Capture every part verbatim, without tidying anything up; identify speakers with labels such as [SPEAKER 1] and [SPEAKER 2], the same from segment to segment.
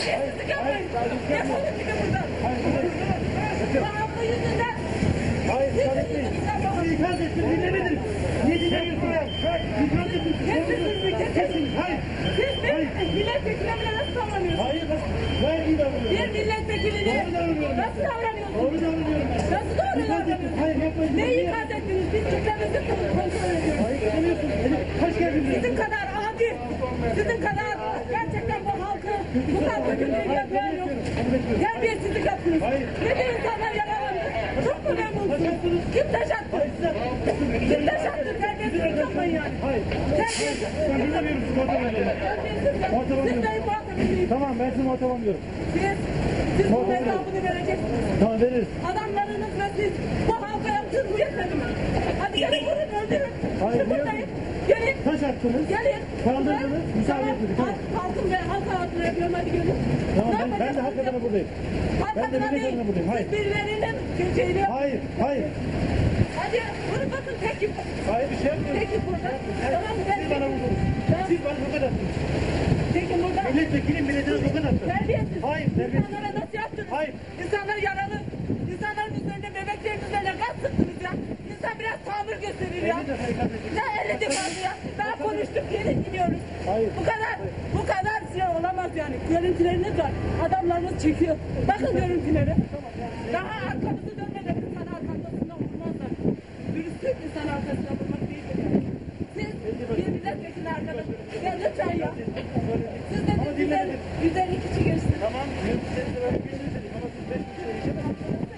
[SPEAKER 1] Terbiyesizlik yapmayın. Defolun gidin buradan. Bu hafta yüzünden.
[SPEAKER 2] Hayır, Saadet Bey. Sizi ikaz ettim, dinlemediniz. Niye dinlemiyorsun ya? İkaz ettim.
[SPEAKER 1] Kesin, kesin.
[SPEAKER 2] Hayır.
[SPEAKER 1] Siz bir milletvekiline nasıl davranıyorsunuz?
[SPEAKER 2] Hayır, gayet iyi davranıyorum.
[SPEAKER 1] Bir milletvekiline
[SPEAKER 2] Doğru davranıyorum.
[SPEAKER 1] nasıl davranıyorsunuz?
[SPEAKER 2] Doğru davranıyorum ben.
[SPEAKER 1] Nasıl doğru
[SPEAKER 2] İkaz ettim.
[SPEAKER 1] davranıyorsunuz?
[SPEAKER 2] Hayır, yapmayın.
[SPEAKER 1] Neyi ikaz ettiniz? Biz kitlemizi kontrol ediyoruz.
[SPEAKER 2] Hayır, dinlemiyorsun. Kaç geldin buraya?
[SPEAKER 1] Sizin kadar adi, sizin kadar gerçekten bu halkı bu kadar kötülüğü yapmayan yok. Terbiyesizlik yaptınız.
[SPEAKER 2] Hayır.
[SPEAKER 1] Ne de insanlar yaralandı. Çok mu memnunsunuz? Kim taş attı?
[SPEAKER 2] Hayır, size.
[SPEAKER 1] Kim taş attı? Terbiyesizlik yapmayın yani.
[SPEAKER 2] Hayır.
[SPEAKER 1] Terbiyesizlik.
[SPEAKER 2] Ben dinlemiyorum sizi, muhatap alıyorum.
[SPEAKER 1] Terbiyesizlik.
[SPEAKER 2] Muhatap
[SPEAKER 1] Siz
[SPEAKER 2] alıyorum.
[SPEAKER 1] de muhatabınız.
[SPEAKER 2] Tamam, ben sizi muhatap alıyorum.
[SPEAKER 1] Siz, siz bu
[SPEAKER 2] Muhatap
[SPEAKER 1] hesabını vereceksiniz.
[SPEAKER 2] Tamam, veririz.
[SPEAKER 1] Adamlarınız ve siz bu halka yaptığınız bu yetmedi mi? Hadi gelin vurun öldürün.
[SPEAKER 2] Hayır,
[SPEAKER 1] Şimdi
[SPEAKER 2] niye
[SPEAKER 1] buradayım. Gelin.
[SPEAKER 2] Taş attınız.
[SPEAKER 1] Gelin.
[SPEAKER 2] Kaldırdınız, müsaade etmedik.
[SPEAKER 1] Tamam. Halkın ve halk hayatını yapıyorum, hadi gelin.
[SPEAKER 2] Tamam,
[SPEAKER 1] Ne
[SPEAKER 2] ben, ben de
[SPEAKER 1] yapacaksınız?
[SPEAKER 2] hak adına buradayım.
[SPEAKER 1] Halk
[SPEAKER 2] Ben de
[SPEAKER 1] adına
[SPEAKER 2] millet
[SPEAKER 1] değil.
[SPEAKER 2] adına buradayım. Hayır.
[SPEAKER 1] Siz birilerinin şeyini yapın.
[SPEAKER 2] Hayır, hayır.
[SPEAKER 1] Hadi vurun bakın tek yük.
[SPEAKER 2] Hayır, bir şey yapmıyorum.
[SPEAKER 1] Tek yük burada. Tamam gel.
[SPEAKER 2] Siz bana vurdunuz.
[SPEAKER 1] Tamam.
[SPEAKER 2] Siz bana tokat attınız.
[SPEAKER 1] Tekin burada.
[SPEAKER 2] Milletvekilim milletine tokat attı.
[SPEAKER 1] Terbiyesiz.
[SPEAKER 2] Hayır, terbiyesiz.
[SPEAKER 1] İnsanlara nasıl yaptınız?
[SPEAKER 2] Hayır.
[SPEAKER 1] İnsanlar yaralı. İnsanların üzerinde, bebeklerin üzerine gaz sıktınız ya. İnsan biraz tahammül gösterir ya.
[SPEAKER 2] elli defa ikaz ettim.
[SPEAKER 1] Ne elli defası ya? Daha konuştuk, geri gidiyoruz.
[SPEAKER 2] Hayır.
[SPEAKER 1] Bu kadar, bu kadar şey olamaz yani. Görüntüleriniz var. Adamlarınız çekiyor. Bakın görüntüleri. Daha arkamızı dönmeden insan arkasında vurmazlar. Dürüstlük insan arkasında vurmak değildir yani. Siz bir milletvekili arkadaş. Ya lütfen ya. Siz de
[SPEAKER 2] Ama
[SPEAKER 1] yüz elli
[SPEAKER 2] dinlemedim.
[SPEAKER 1] yüz elli kişi geçsin.
[SPEAKER 2] Tamam, siz de böyle bir şey dedim ama siz beş kişi geçemezsiniz.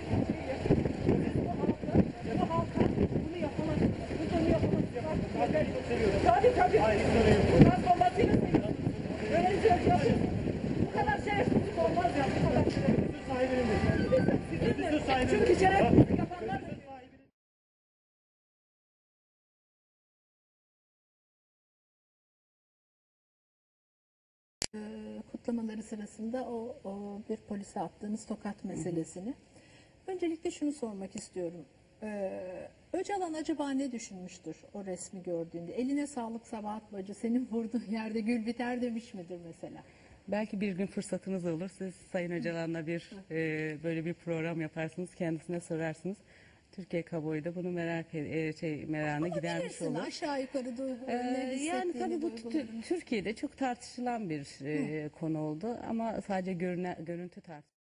[SPEAKER 1] Tabii tabii.
[SPEAKER 2] Hayır, hiç sorun yok.
[SPEAKER 1] Gaz bombasıyla seviyorsunuz. Böyle bir şey yapıyorsunuz. Bu kadar şerefsizlik olmaz ya. Bu kadar şerefsizlik.
[SPEAKER 2] Söz sahibinimdir.
[SPEAKER 1] Sizin de.
[SPEAKER 2] Söz sahibinimdir.
[SPEAKER 1] Çünkü şerefsizlik yapanlar
[SPEAKER 2] Söz sahibinimdir.
[SPEAKER 3] Kutlamaları sırasında o, o bir polise attığınız tokat meselesini. Öncelikle şunu sormak istiyorum. Ee, Öcalan acaba ne düşünmüştür o resmi gördüğünde? Eline sağlık Sabahat bacı, senin vurduğun yerde gül biter demiş midir mesela?
[SPEAKER 4] Belki bir gün fırsatınız olur. Siz Sayın Öcalan'la bir e, böyle bir program yaparsınız. Kendisine sorarsınız. Türkiye kamuoyu da bunu merak e, şey merakını gidermiş
[SPEAKER 3] Bilirsin,
[SPEAKER 4] olur.
[SPEAKER 3] aşağı yukarı da
[SPEAKER 4] Ee,
[SPEAKER 3] ne
[SPEAKER 4] yani
[SPEAKER 3] hissettiğini,
[SPEAKER 4] tabii bu tü-
[SPEAKER 3] duygularını.
[SPEAKER 4] Türkiye'de çok tartışılan bir e, konu oldu ama sadece görüne, görüntü tartışılıyor.